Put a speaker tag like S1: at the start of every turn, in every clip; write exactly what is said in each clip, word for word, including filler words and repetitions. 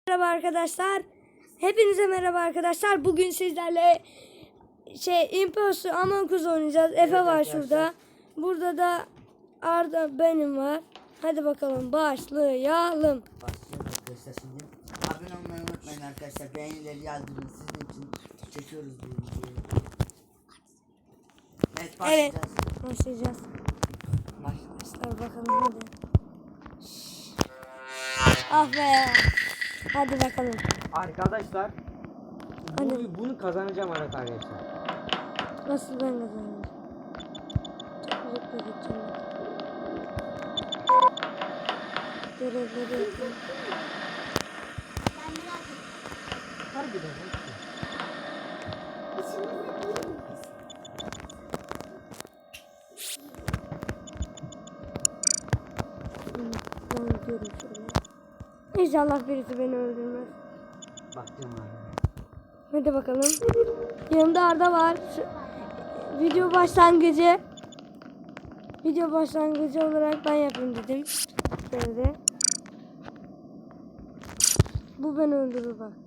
S1: Merhaba arkadaşlar. Hepinize merhaba arkadaşlar. Bugün sizlerle şey Imposter Among Us oynayacağız. Efe
S2: Evet
S1: var
S2: arkadaşlar.
S1: şurada. Burada da Arda benim var. Hadi bakalım başlayalım.
S2: Başlayalım arkadaşlar şimdi. Abone olmayı unutmayın arkadaşlar. Beğenileri yazdırın. Sizin için çekiyoruz bu videoyu. Evet başlayacağız.
S1: Evet. Başlayacağız. Başlar bakalım hadi. Ah be. Hadi bakalım.
S3: Arkadaşlar
S1: Hadi.
S3: bu, bunu kazanacağım arkadaşlar.
S1: Nasıl ben kazanacağım? Çok uzakta gideceğim. Görevleri yapayım.
S3: Harbiden.
S1: Ben gidiyorum şöyle. İnşallah birisi beni öldürmez.
S2: Bakacağım abi.
S1: Hadi bakalım. Yanımda Arda var. Şu, video başlangıcı. Video başlangıcı olarak ben yapayım dedim. Şöyle. Bu beni öldürür bak.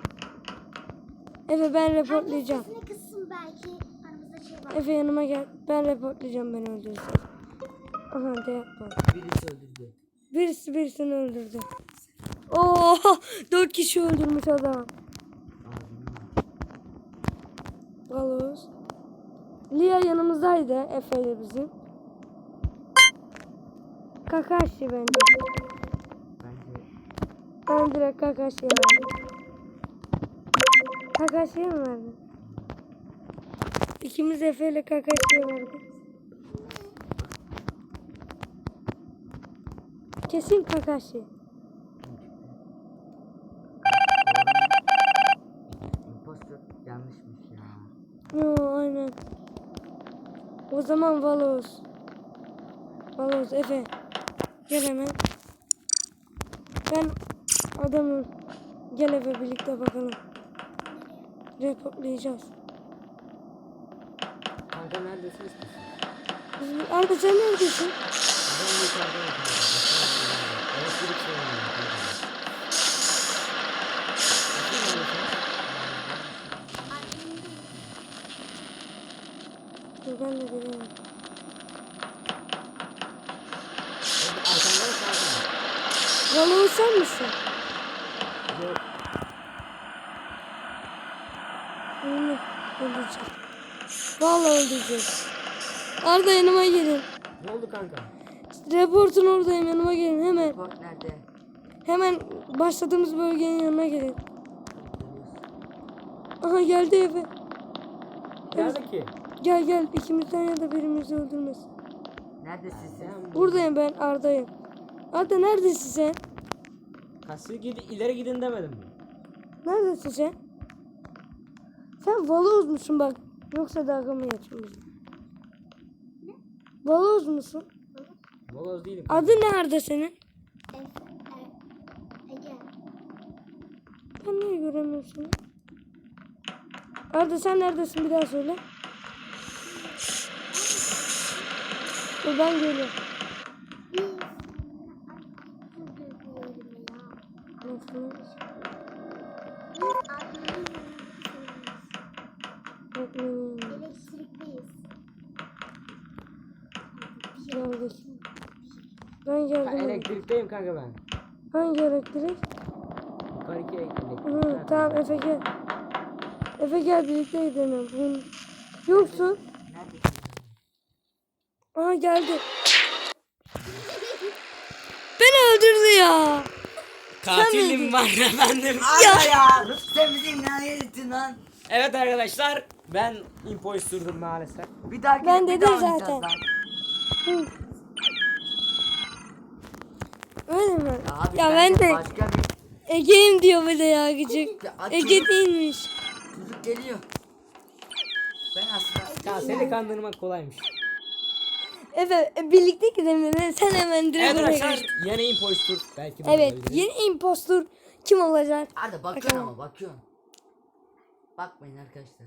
S1: Efe ben reportlayacağım.
S4: Herkes sesini kıssın belki aramızda şey var.
S1: Efe yanıma gel. Ben reportlayacağım beni öldürürse. Aha de yapma.
S2: Birisi öldürdü.
S1: Birisi birisini öldürdü. Oo, dört kişi öldürmüş adam. Valos. Lia yanımızdaydı Efe ile bizim. Kakashi bence.
S2: Bence
S1: Ben direkt Kakashi'ye verdim. Kakashi'ye mi verdin? İkimiz Efe ile Kakashi'ye verdik. Kesin Kakashi.
S2: impostor yanlışmış ya.
S1: Yo aynen. O zaman Valos. Valos Efe. Gel hemen. Ben adamım. Gel Efe birlikte bakalım. Reportlayacağız.
S3: Kanka neredesiniz ki?
S1: Biz- Arda sen neredesin?
S3: Ben yukarıdayım kanka. Elektrik sorunu kanka. Nasıl neredesiniz?
S1: Dur ben de geliyorum.
S3: Orada arkanda mı kanka?
S1: Valos sen misin?
S3: Yok.
S1: Onu öldüreceğiz. Vallahi öldüreceğiz. Arda yanıma gelin.
S3: Ne oldu kanka?
S1: Reportun oradayım, yanıma gelin hemen.
S2: Report nerede?
S1: Hemen başladığımız bölgenin yanına gelin. Aha geldi Efe.
S3: Nerede ki?
S1: Gel gel ikimizden ya da birimizi öldürmesin.
S2: Neredesin sen?
S1: Buradayım ben, Arda'yım. Arda neredesin sen?
S3: Kasıyor gidi ileri gidin demedim mi?
S1: Neredesin sen? Sen Valoz musun bak? Yoksa dalga mı geçiyorsun? Valoz musun?
S3: Moloz değilim.
S1: Adı ne Arda senin?
S4: Efe, e, Ege.
S1: Ben niye göremiyorum seni? Arda sen neredesin bir daha söyle. Dur ben geliyorum.
S4: Biz Özür dilerim ya.
S1: Nasıl?
S4: Biz adminin
S1: Bakmayın.
S4: elektrikteyiz.
S1: Geldik. Ben
S3: Ben
S1: geldim.
S3: elektrikteyim kanka ben.
S1: Hangi elektrik?
S3: Yukarıki elektrik.
S1: Hı,
S3: Nerede?
S1: tamam Efe gel. Efe gel birlikte gidelim. Bunu... Yoksun.
S2: Neredesin?
S1: Aha geldi. Beni öldürdü ya.
S3: Katilim var efendim.
S2: Arda ya! Sen bizi ne ettin lan?
S3: Evet arkadaşlar ben impostördüm maalesef.
S2: Bir dahaki
S1: Ben
S2: bir
S1: dedim
S2: daha
S1: zaten.
S2: oynayacağız lan.
S1: Hı. Öyle mi?
S2: Abi
S1: Ya ben
S2: bence
S1: de
S2: başka bir
S1: Ege'yim diyor bir de ya gıcık.
S2: Ya,
S1: Ege
S2: çocuk-
S1: değilmiş.
S2: çocuk geliyor. Ben aslında
S3: Ya seni kandırmak kolaymış.
S1: Efe e, birlikte gidelim dedi. Sen hemen direkt
S3: Evet
S1: oraya
S3: arkadaşlar
S1: geç.
S3: yeni impostor belki ben
S1: Evet
S3: olabilirim.
S1: yeni impostor kim olacak?
S2: Arda bakıyorsun
S1: Bakalım.
S2: ama bakıyorsun. Bakmayın arkadaşlar.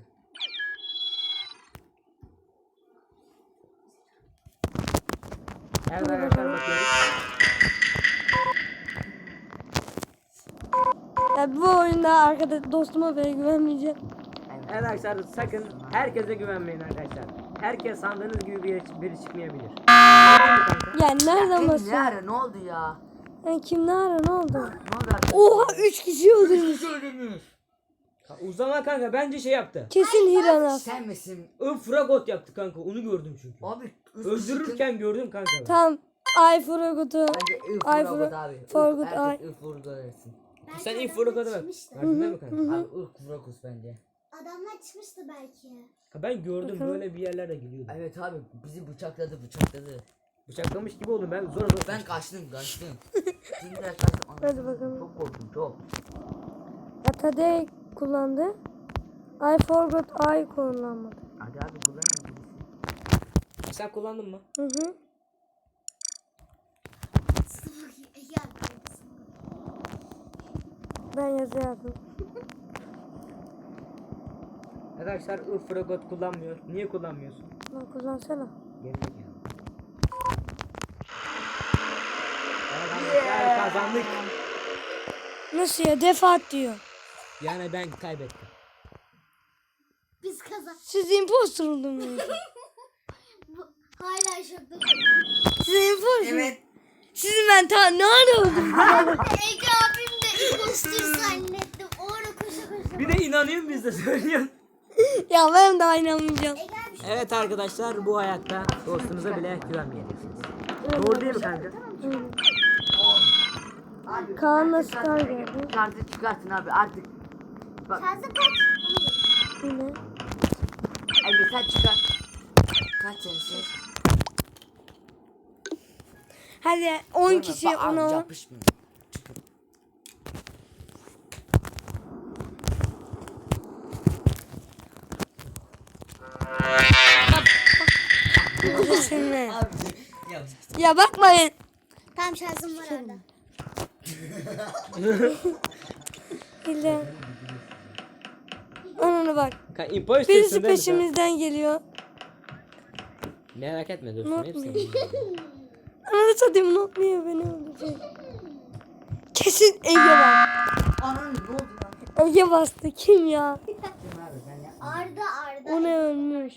S3: Evet arkadaşlar bakıyoruz.
S1: Ya bu oyunda arkadaş dostuma bile güvenmeyeceğim.
S3: Evet arkadaşlar sakın herkese güvenmeyin arkadaşlar. Herkes sandığınız gibi biri, biri çıkmayabilir. Değil mi kanka?
S1: Ya nereden
S2: Ne
S1: basıyor?
S2: ara ne oldu ya?
S1: Ya kim ne ara ne oldu?
S2: Ne oldu arkadaşlar?
S1: Oha üç kişi öldürmüş.
S2: Öldürmüş.
S3: O zaman kanka bence şey yaptı.
S1: Kesin Hirana.
S2: Sen misin?
S3: Infragot yaptı kanka onu gördüm çünkü.
S2: Abi üç
S3: Öldürürken gördüm kanka. ben.
S1: Tamam. Ay Furagut'u.
S2: Bence
S1: Ay
S2: Ifurgot
S1: Fura-
S2: abi.
S1: Forgut,
S2: Herkes
S1: ay.
S2: Ifurgot etsin.
S4: Belki
S3: Sen
S4: adamlar
S3: Infragot'a bak.
S4: çıkmıştı.
S3: Verdin değil mi kanka?
S2: Abi Ifurgot bence.
S4: Adamlar çıkmıştı belki.
S3: Ha, ben gördüm
S1: Bakalım.
S3: böyle bir yerlere gidiyordu.
S2: Evet abi bizi bıçakladı bıçakladı.
S3: Bıçaklamış gibi oldum ben zor zor.
S2: Ben kaçtım kaçtım. Şimdi de kaçtım.
S1: Hadi bakalım.
S2: Çok korktum çok.
S1: Atade kullandı. I forgot I kullanmadı.
S2: Hadi abi kullanın birisi.
S3: Sen kullandın mı?
S1: Hı hı.
S4: Ya
S1: Ben yazı yazdım.
S3: Arkadaşlar Infragot kullanmıyor. Niye kullanmıyorsun?
S1: Lan kullansana.
S3: Gerizekalı. Evet arkadaşlar kazandık.
S1: Nasıl ya? Defaat diyor.
S3: Yani ben kaybettim.
S4: biz kazan.
S1: Siz impostor oldunuz.
S4: Bu hala şokta.
S1: Siz impostor.
S2: Evet.
S1: Sizi ben ta ne ara öldürdüm?
S4: Ege abim de impostor zannettim. O ara koşa koşa.
S3: Bir de inanıyorum biz de söylüyorsun.
S1: Ya ben daha inanmayacağım.
S4: Ege abi şu
S3: Evet arkadaşlar bu hayatta dostunuza bile güvenmeyeceksiniz. Doğru değil mi kanka?
S2: Abi,
S1: Kaan'la
S2: herkes
S1: Scar
S2: kartı-
S1: geldi.
S2: Kartı çıkartın abi artık. Bak
S4: şarjı kaç?
S1: Yine.
S2: Ege sen çıkar. Kaç sensin?
S1: Hadi on kişi ona on.
S2: Yapışmıyor. Çıkın.
S1: Kesinlikle.
S2: Abi yap.
S1: Ya bakmayın.
S4: Tamam şarjım var orada.
S1: Hilde. Onuna bak.
S3: Kanka imposter
S1: Birisi peşimizden geliyor.
S3: Merak etme dostum
S1: Not
S3: hepsini.
S1: me. Ananı satayım unutmuyor beni öldürecek. Kesin Ege var.
S2: Anam ne oldu lan?
S1: Ege bastı kim ya?
S2: Kim abi ben yapmadım.
S4: Arda Arda.
S1: O ne ölmüş.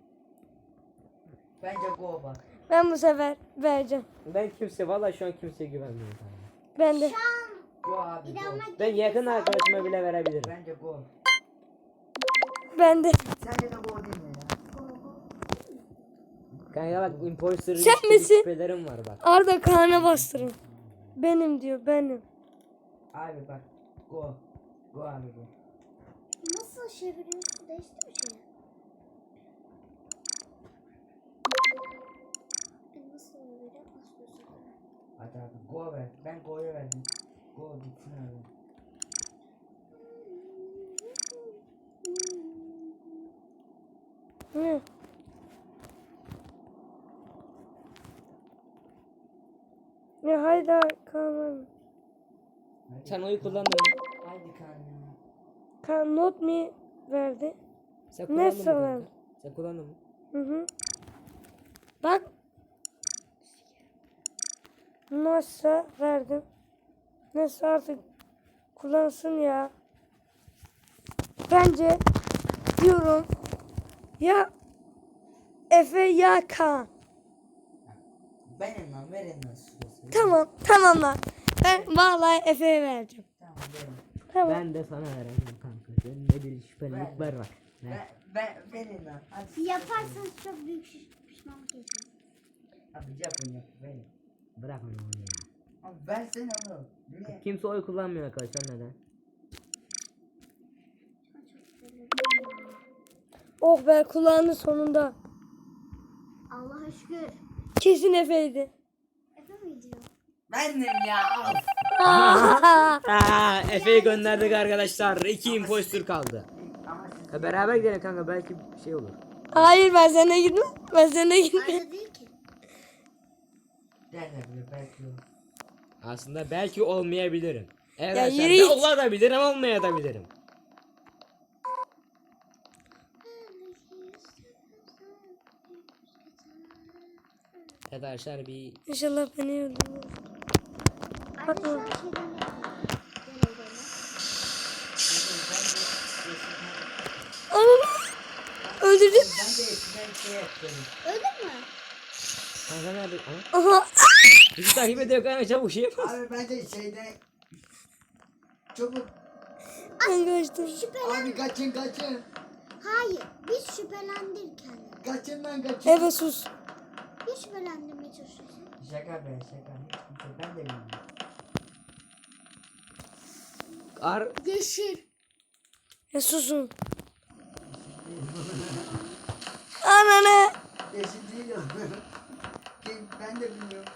S2: Bence go bak.
S1: Ben bu sefer vereceğim.
S3: Ben kimse valla şu an kimseye güvenmiyorum.
S1: Ben de.
S2: Go abi go.
S4: İnanmak
S3: Ben yakın arkadaşıma bile verebilirim.
S2: Bence go.
S1: Ben de.
S2: Sence de go değil mi ya?
S3: Kanka bak imposter
S1: Sen
S3: ilişkili
S1: misin?
S3: şüphelerim var bak.
S1: Arda Kaan'a bastırın. Benim diyor benim.
S2: Abi bak go. Go abi go.
S4: Nasıl çeviriyorsun? Değişti mi şey? Nasıl oluyor? Nasıl oluyor?
S2: Hadi abi go ver. Ben go'ya verdim. Go gitsin abi.
S1: Hı. Ya haydi Kaan.
S2: Hadi.
S3: Sen oyu kullandın mı?
S2: Haydi kan ya.
S1: Kaan not me verdi.
S3: Sen
S1: Ne
S3: kullandın mı
S1: sana?
S3: kanka? Sen kullandın mı?
S1: Hı hı. Bak. Nasıl verdim. Nasıl artık kullansın ya. Bence diyorum ya Efe ya Kaan.
S2: Benim lan verin lan şurası.
S1: Tamam tamam lan. Ben vallahi Efe'ye vereceğim.
S2: Tamam verin.
S1: Tamam.
S3: Ben de sana veremem kanka. Senin de bir şüphelilikler var.
S2: Ben,
S3: Ver.
S2: ben, verin lan. Hadi.
S4: Yaparsanız çok büyük şiş- pişmanlık yaşarsınız.
S2: Abi yapın yap verin.
S3: Bırak onu ya.
S2: Abi versene onu. Niye?
S3: Kimse oy kullanmıyor arkadaşlar neden?
S1: Oh be kulağını sonunda.
S4: Allah'a şükür.
S1: Kesin Efe'ydi.
S4: Efe mi diyor?
S2: Benim ya. Of.
S3: Aa, Efe'yi gönderdik arkadaşlar. İki imposter kaldı.
S2: Ama siz
S3: Ya beraber gidelim kanka belki bir şey olur.
S1: Hayır ben seninle gitmem. Ben seninle gitmem.
S4: Arda değil ki.
S2: derler bile belki yok.
S3: Aslında belki olmayabilirim. Evet
S1: Ya
S3: arkadaşlar
S1: yürü
S3: ben
S1: git.
S3: olabilirim olmayabilirim. Evet arkadaşlar bir
S1: İnşallah beni öldürmez.
S4: Arda şu an şeyden ne yapıyor? Gel evde.
S1: öldürdüm.
S2: Ben de eskiden şey yaptım.
S4: Öldün mü?
S3: Kanka nerede? Aha.
S1: Aha.
S3: Bizi takip ediyor kanka, çabuk şey yapma.
S2: Abi ben de şeyde çabuk.
S1: Ben kaçtım.
S4: Şüphelen...
S2: Abi kaçın kaçın.
S4: Hayır. Biz şüphelendik kendini.
S2: Kaçın lan kaçın.
S1: Efe sus.
S4: Biz şüphelendirmeye çalışıyoruz.
S2: Şaka be şaka. Hiç kimse ben de bilmiyorum.
S3: Ar
S4: Yeşil.
S1: Ya susun. Ananı.
S2: Yeşil değil o. Kim ben de bilmiyorum.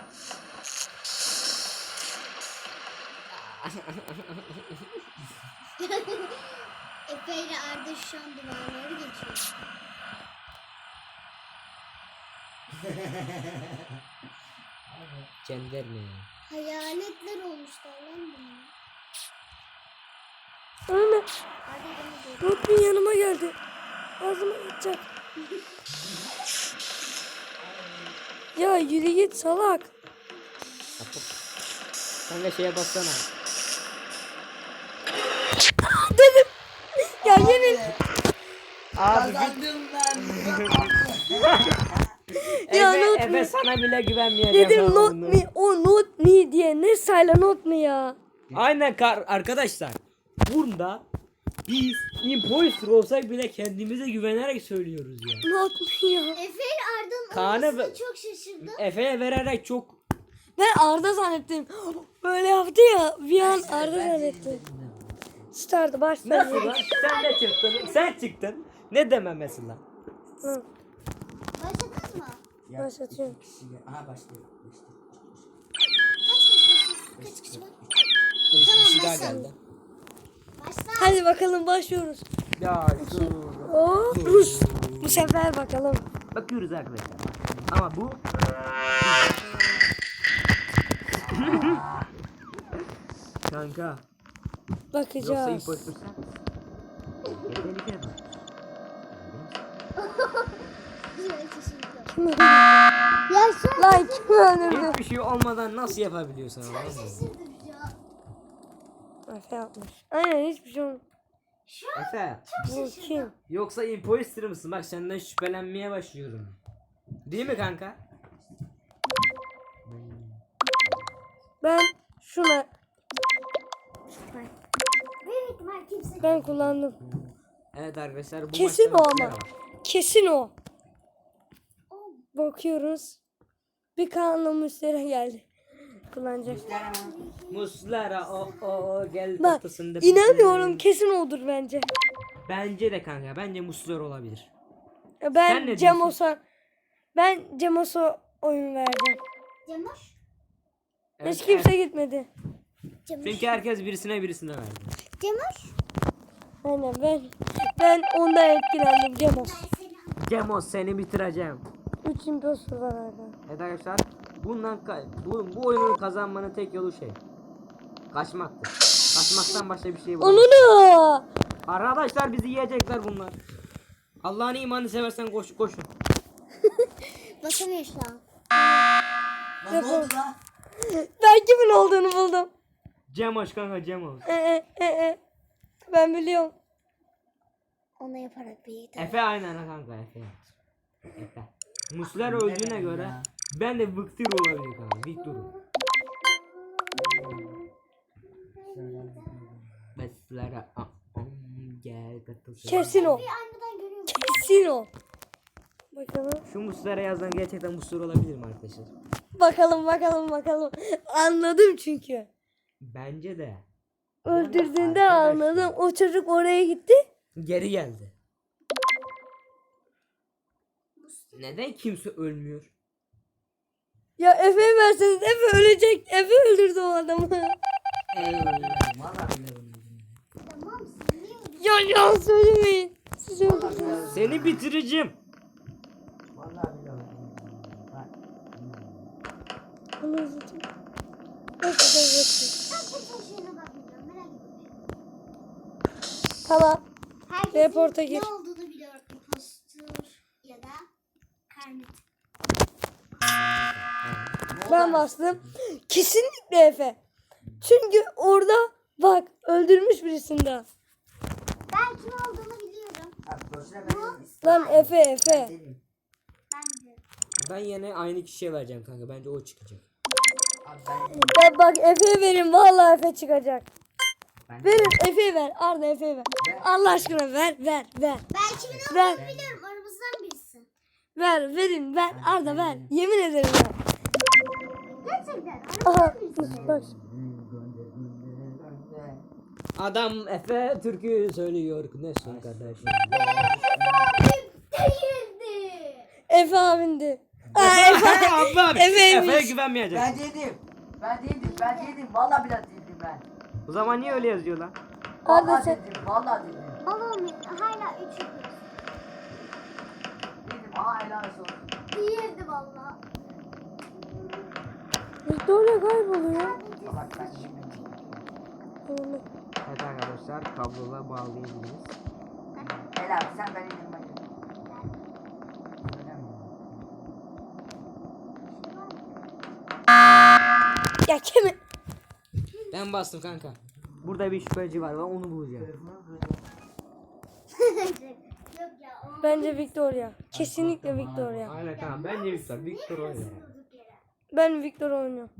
S4: Efe ile Arda şu an duvarları geçiyor.
S3: Cender mi ya?
S4: Hayaletler olmuşlar lan bunlar.
S1: Ananı.
S4: Arda beni görüyor.
S1: Notmin yanıma geldi. Ağzıma gidecek. Ya yürü git salak.
S3: Kapı. Kanka şeye bassana.
S1: Dedim. Ya yemin.
S3: Abi
S2: Kazandım ben.
S1: Ya
S3: Efe,
S1: not
S3: Efe
S1: me.
S3: sana bile güvenmeyeceğim.
S1: Dedim
S3: ben
S1: not
S3: bunu.
S1: me. O not me diye. Ne sayla not me ya.
S3: Aynen kar arkadaşlar. Bunda biz imposter olsak bile kendimize güvenerek söylüyoruz ya.
S1: Not me ya.
S4: Efe ile Arda'nın
S3: Kaan'ı
S4: olmasına
S3: ve-
S4: çok şaşırdım.
S3: Efe'ye vererek çok
S1: Ben Arda zannettim. Böyle yaptı ya. Bir an Arda zannettim. Stardı başladı.
S3: nasıl lan? Sen de çıktın. Sen çıktın. Ne dememesi lan?
S1: Hı.
S4: Başladınız mı?
S2: Ya,
S1: Başlatıyorum.
S2: iki kişi gel- Aha başlıyor. Başlıyor.
S4: Kaç kişi? Kaç kişi var?
S3: Bir kişi daha
S4: başla.
S3: geldi.
S4: Başla.
S1: Hadi bakalım başlıyoruz.
S3: Ya şu.
S1: Oo, Rus. Bu sefer bakalım.
S3: Bakıyoruz arkadaşlar. Ama bu kanka. Yoksa
S1: Bakacağız.
S3: imposter sen. Yetenekli bak.
S4: Şöyle şaşırdım.
S1: Kim öldürdü?
S4: Ya şu an
S1: Lan kim öldürdü?
S3: Hiçbir şey olmadan nasıl yapabiliyorsun ama?
S4: şaşırdım ya.
S1: Efe yapmış. Aynen hiçbir şey olmadı.
S3: Efe.
S1: Bu kim?
S3: Yoksa imposter mısın? Bak senden şüphelenmeye başlıyorum. Değil mi kanka?
S1: Ben şuna
S4: Büyük ihtimal kimse.
S1: ben kullandım.
S3: Evet arkadaşlar bu
S1: Kesin
S3: maçta
S1: o
S3: bizler
S1: ama.
S3: var.
S1: Kesin o. Bakıyoruz. Bir kanla müşteri geldi. Kullanacak.
S3: Muslera o o o gel
S1: Bak
S3: tahtasında.
S1: inanmıyorum kesin odur bence.
S3: Bence de kanka. Bence Muslera olabilir.
S1: Ya
S3: Sen ne
S1: Ben
S3: diyorsun?
S1: Cemos'a ben Cemos'a oyun vereceğim.
S4: Cemoş.
S3: Evet,
S1: Hiç kimse
S3: evet.
S1: gitmedi.
S4: Cemoş.
S3: Çünkü herkes birisine birisine verdi.
S4: Cemoş.
S1: Aynen ben ben ondan etkilendim Cemos.
S3: Cemos seni bitireceğim.
S1: Üç imposter var hala.
S3: Evet arkadaşlar bundan ka- bu, bu oyunun kazanmanın tek yolu şey. Kaçmaktır. Kaçmaktan başka bir şey var.
S1: Onunu.
S3: Arkadaşlar bizi yiyecekler bunlar. Allah'ın imanını seversen koş koşun.
S4: Basamıyor şu an.
S2: Lan ne oldu lan?
S1: Ben kimin olduğunu buldum.
S3: Cemos kanka Cemos.
S1: Ee, e, e, e. Ben biliyorum.
S4: Ona yaparak bir
S3: Efe aynen ha kanka Efe yaptı. Efe. Muslera öldüğüne göre ben de Victor olabilir kanka. Victor. Muslera aa, aa, gel katılsın.
S1: Kesin o.
S4: Bir aynadan görüyorum.
S1: Kesin o. Bakalım.
S3: Şu Muslera yazdan gerçekten Muslera olabilir mi arkadaşlar?
S1: Bakalım bakalım bakalım. Anladım çünkü.
S3: Bence de.
S1: Öldürdüğünde
S3: Arkadaşlar.
S1: anladım. O çocuk oraya gitti.
S3: Geri geldi. Neden kimse ölmüyor?
S1: Ya Efe'ye verseniz Efe ölecek. Efe öldürdü o adamı.
S2: Valla bile bunu.
S4: Tamam sen niye öyle?
S1: Ya ya söylemeyin. Siz öldürdünüz.
S3: Seni bitireceğim.
S2: Valla bile bunu. Bak.
S1: Bunu üzüldüm. Nasıl da bakayım.
S4: Ben kimse şeyine bakmayacağım. Merak etme.
S1: Tamam.
S4: Herkesin
S1: Reporta gir.
S4: ne olduğunu biliyorum. Impostor ya da karnet.
S1: Ben bastım. Kesinlikle Efe. Çünkü orada bak öldürmüş birisini daha.
S4: Ben kim olduğunu biliyorum.
S2: Abi boşuna ben
S1: Lan Efe Efe.
S2: dedim.
S4: Ben de.
S3: Ben yine aynı kişiye vereceğim kanka. Bence o çıkacak.
S2: Abi ben dedim.
S1: Ben bak Efe'ye verin vallahi Efe çıkacak.
S2: Ben
S1: Verin Efe'ye ver. Arda Efe'ye ver. Allah aşkına ver ver ver.
S4: Ben kimin
S1: Ver.
S4: olduğunu biliyorum. Aramızdan birisi.
S1: Ver verin ver. Arda ver. Yemin ederim ver.
S4: Gerçekten.
S1: Aha.
S4: Aramızdan birisi.
S1: Bak.
S3: Adam Efe türkü söylüyor. Nesin kardeşim?
S4: Değildi.
S1: Efe abindi. Aa, Efe.
S3: Ablam.
S1: Efeymiş.
S3: Efe'ye güvenmeyecek.
S2: Ben dedim. Ben dedim. Ben dedim. Vallahi biraz dedim ben.
S3: O zaman niye öyle yazıyor lan?
S1: Arda
S2: Vallahi
S1: sen.
S2: dedim. Vallahi dedim.
S4: Balon hala üç yapıyoruz.
S2: Dedim. Aa helal olsun.
S4: Değildi valla.
S1: Victoria kayboluyor.
S2: Bak ben şimdi.
S1: Tamam.
S3: Evet arkadaşlar kablola bağlayabiliriz.
S2: Helal sen ben elim ben. Öyle mi?
S1: Ya kimi?
S3: Ben bastım kanka. Burada bir şüpheci var. Ben onu bulacağım.
S4: Yok ya. o-
S1: Bence Victoria. Kesinlikle Victoria.
S3: Aynen kanka. Bence Victor. Victor oynuyor.
S4: Durduk yere.
S1: Ben Victor oynuyorum.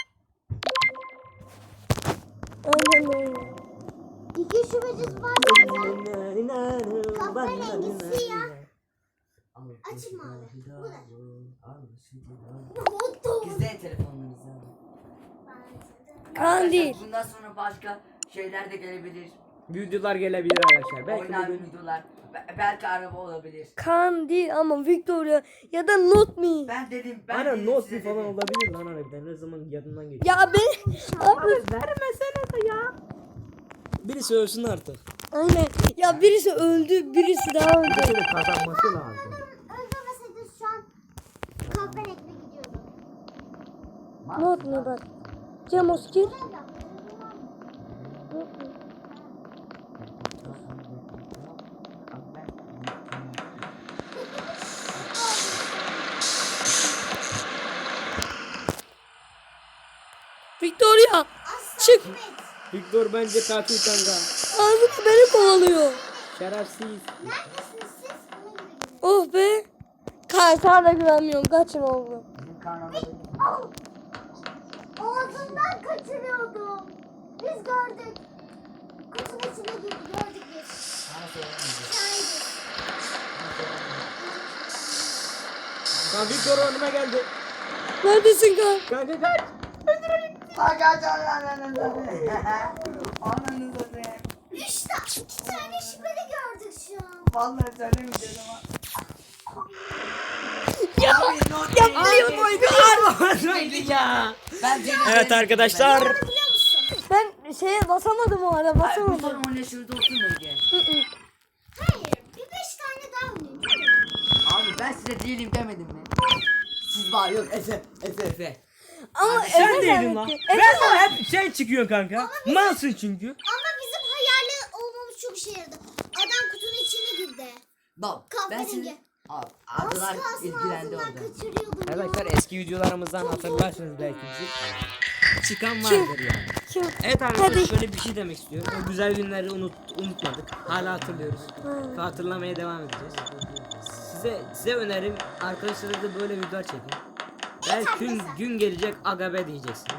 S1: Aynen öyle.
S4: İki şubecisi var zaten. Kahverengi siyah. Açık mavi. Bu da. Mutlu.
S2: Gizleyin telefonlarınızı.
S1: Kaan
S2: Arkadaşlar,
S1: değil.
S2: Bundan sonra başka şeyler de gelebilir.
S3: Videolar gelebilir arkadaşlar. Belki
S2: Oynar
S3: bugün
S2: videolar. Be- belki araba olabilir.
S1: Kaan değil ama Victoria ya da Not Me.
S2: Ben dedim. Ben
S3: Aynen
S2: dedim,
S3: not
S2: size
S3: falan
S2: dedim.
S3: olabilir lan harbiden. Ne zaman yanından geçiyor.
S1: Ya ben abi
S3: Vermesene de ya. Birisi ölsün artık.
S1: aynen. Ya birisi öldü, birisi daha öldü.
S3: Birisi de kazanması lazım.
S4: Öldürmeseydiniz şu an kahverengi gidiyordum.
S1: Not Me bak. Cemos gir. Victoria çık.
S3: Victor bence katil kanka.
S1: Ağzına beni kovalıyor.
S3: Şerefsiz.
S4: Neredesiniz siz? Ona göre gidin.
S1: Oh be. Kaan sana da güvenmiyorum. Kaçın oğlum.
S2: Bizim kanalda
S4: Au! Ağzından kaçırıyordum. Biz gördük. Kutunun içine girdi gördük biz.
S2: bana söylemeyecek.
S4: Şahidiz.
S3: Kan Victor önüme geldi.
S1: Neredesin Kaan?
S3: Kanka kaç.
S2: Bak aç ananızı. Ananızı be.
S4: Üç tane, iki tane şüpheli gördük şu an.
S2: Vallahi söylemeyeceğim ama.
S1: Ya, ya biliyordum.
S3: Neydi ya?
S2: Ben dedim.
S3: Evet arkadaşlar.
S4: Biliyor musun?
S1: Ben şeye basamadım o ara
S2: Ay, bu
S1: basamadım.
S2: son oyuna şurada olsun mu Ege?
S1: Hı hı.
S4: Hayır. Bir beş tane daha oynayayım.
S2: Abi ben size değilim demedim mi? Siz var yok Efe Efe Efe.
S1: Ama
S3: Sen
S1: Efe
S3: değildin lan.
S1: zannetti.
S3: Ben
S1: Efe
S3: sana hep şey çıkıyor kanka. Malsın çünkü.
S4: Ama bizim hayali olmamız çok işe yaradı. Adam kutunun içine girdi.
S2: Bak ben
S4: Kahverengi.
S2: sizi... Abi
S4: Az
S2: arkalar
S4: kalsın
S2: ilgilendi
S4: ağzından
S2: orada.
S4: kaçırıyordum ya.
S3: Arkadaşlar eski videolarımızdan hatırlarsınız belki bizi. Çıkan vardır ya.
S1: kim?
S3: Evet arkadaşlar
S1: Hadi.
S3: şöyle bir şey demek istiyorum. O güzel günleri unut, unutmadık. Hala hatırlıyoruz.
S1: Hmm.
S3: Ve hatırlamaya devam edeceğiz. Size size önerim arkadaşlarınızla da böyle videolar çekin. Belki gün, gün gelecek aga be diyeceksiniz.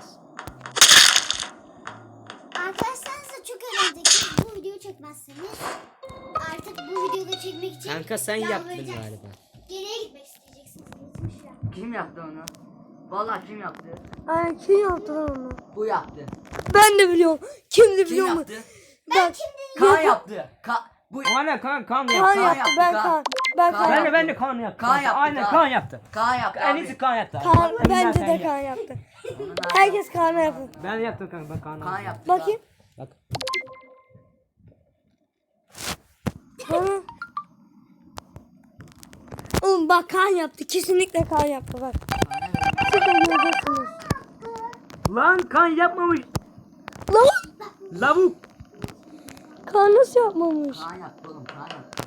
S4: Arkadaşlarınızla çok eğlendik. Bu videoyu çekmezseniz artık bu videoda çekmek için
S3: Kanka sen yaptın
S4: yalvaracağız.
S3: galiba.
S4: Geriye gitmek isteyeceksiniz. Gitmiş ya.
S2: Kim yaptı onu? Vallahi kim yaptı?
S1: Ay kim yaptı lan onu?
S2: Bu yaptı.
S1: Ben de biliyorum. Kimdi
S2: Kim
S1: biliyor musun?
S2: yaptı?
S1: Ben
S2: Kaan yaptı. Ka bu
S3: Aynen kan kan
S1: Kaan
S3: yaptı.
S1: yaptı.
S2: yaptı,
S1: Ben
S2: Kaan.
S1: Kaan. Ben
S2: Kaan
S1: Kaan.
S3: Ben
S2: yaptı.
S3: de ben de kan yaptım.
S2: Kaan yaptı,
S3: Aynen
S2: Kaan.
S3: kan yaptı.
S2: Kaan yaptı
S3: En
S2: abi.
S3: iyisi kan yaptı.
S1: Kaan
S3: Vallahi
S1: bence
S3: sen
S1: de
S3: yap.
S1: Kaan yaptı.
S2: Onun abi-
S1: Herkes Kaan'a yapın.
S3: Ben yaptım kanka ben kan
S2: Kaan
S3: yaptım.
S2: yaptı.
S1: Bakayım.
S3: Bak.
S1: Bana. Oğlum bak Kaan yaptı. Kesinlikle Kaan yaptı bak. Siz de göreceksiniz.
S3: Lan kan yapmamış.
S1: Lan
S3: Lavuk.
S1: Kaan nasıl yapmamış?
S2: Kaan yaptı oğlum Kaan yaptı.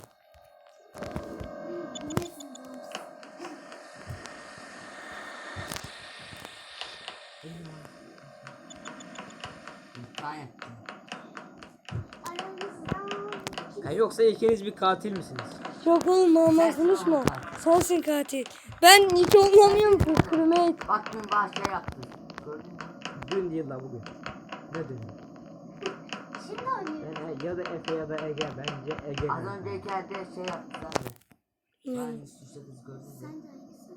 S2: Kaan yaptı.
S4: Aramızdan
S3: Ha, yoksa ikiniz bir katil misiniz?
S1: Yok oğlum normal konuşma. Sensin katil. Ben hiç oynamıyorum ki crewmate.
S2: Bak dün bahçe yaptın. Gördün mü?
S3: Dün değil la bugün. Ne dün?
S4: Şimdi oynuyoruz.
S3: Yani ya da Efe ya da Ege. Bence Ege.
S2: Az önceki yerde şey yaptılar ya. Yani suçladınız gördünüz mü?
S4: Sen de aynısın.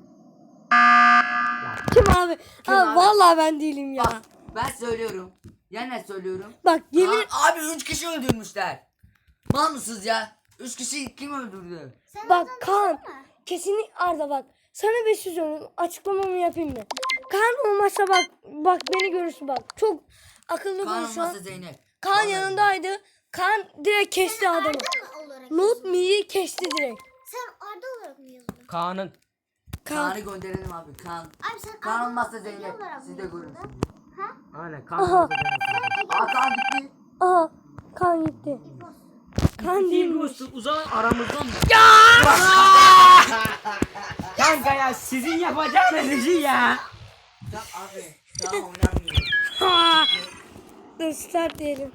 S1: Kim abi?
S2: Kim
S1: Aa,
S2: abi?
S1: vallahi ben değilim ya.
S2: Bak ben söylüyorum. Yine söylüyorum.
S1: Bak yemin
S2: Aa, abi üç kişi öldürmüşler. Mal mısınız ya? Üç kişi kim öldürdü?
S4: Sen
S1: bak
S4: oradan
S1: Kaan
S4: düşsene.
S1: kesinlikle Arda bak. Sana bir şey söyleyeyim. Açıklamamı yapayım mı? Kaan olmazsa bak bak beni görürsün bak. Çok akıllı
S2: Kaan
S1: konuşan.
S2: olmasa Zeynep.
S1: Kaan yanındaydı. Kaan direkt kesti adamı.
S4: Arda mı olarak
S1: Not
S4: yazıyorsun?
S1: me'yi kesti direkt.
S4: Sen Arda olarak mı yazıyorsun?
S3: Kaan'ın.
S1: Kaan.
S2: Kaan'ı gönderelim abi. Kaan.
S4: Abi sen
S2: Kaan
S4: Arda
S2: olmazsa
S4: olarak
S2: Zeynep.
S4: olarak
S2: Siz
S4: mı
S2: de
S4: yazıyorsun?
S2: görürsünüz.
S4: Ha?
S3: Aynen Kaan olsa ben
S2: Aa Kaan gitti.
S1: Aha. Kaan gitti.
S4: İmpos.
S1: Kaan
S3: Değil
S1: değilmiş.
S3: bu uzan aramızdan mı? Kanka ya sizin yapacağınız işi ya.
S2: Tamam abi. Daha oynamıyorum.
S1: Ha! Dur start diyelim.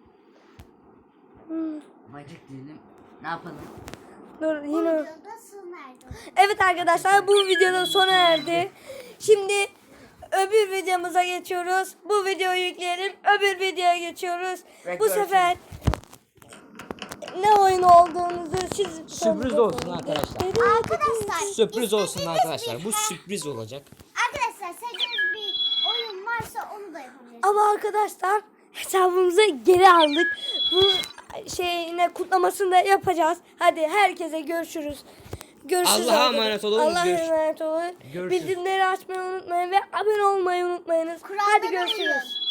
S1: Hmm.
S2: Magic diyelim. Ne yapalım?
S1: Dur
S4: Bu
S1: yine.
S4: videoda sona erdi.
S1: Evet arkadaşlar bu videoda sona erdi. Şimdi öbür videomuza geçiyoruz. Bu videoyu yükleyelim. Öbür videoya geçiyoruz.
S2: Ve
S1: Bu
S2: görüşürüz.
S1: sefer ne oyun olduğunuzu siz
S3: Sürpriz olsun arkadaşlar.
S4: Arkadaşlar
S3: Sürpriz olsun
S4: istediğiniz
S3: arkadaşlar.
S4: bir-
S3: Bu sürpriz olacak.
S4: Arkadaşlar sevdiğiniz bir oyun varsa onu da yapabilirsiniz.
S1: Ama arkadaşlar hesabımızı geri aldık. Bu şeyine kutlamasını da yapacağız. Hadi herkese görüşürüz. Görüşürüz.
S3: Allah'a
S1: arkadaşlar.
S3: emanet olun.
S1: Allah'a
S3: Görüş-
S1: emanet olun.
S3: Görüşürüz.
S1: Bildirimleri açmayı unutmayın ve abone olmayı unutmayınız. Hadi
S4: Kurallara
S1: görüşürüz.
S4: uyun.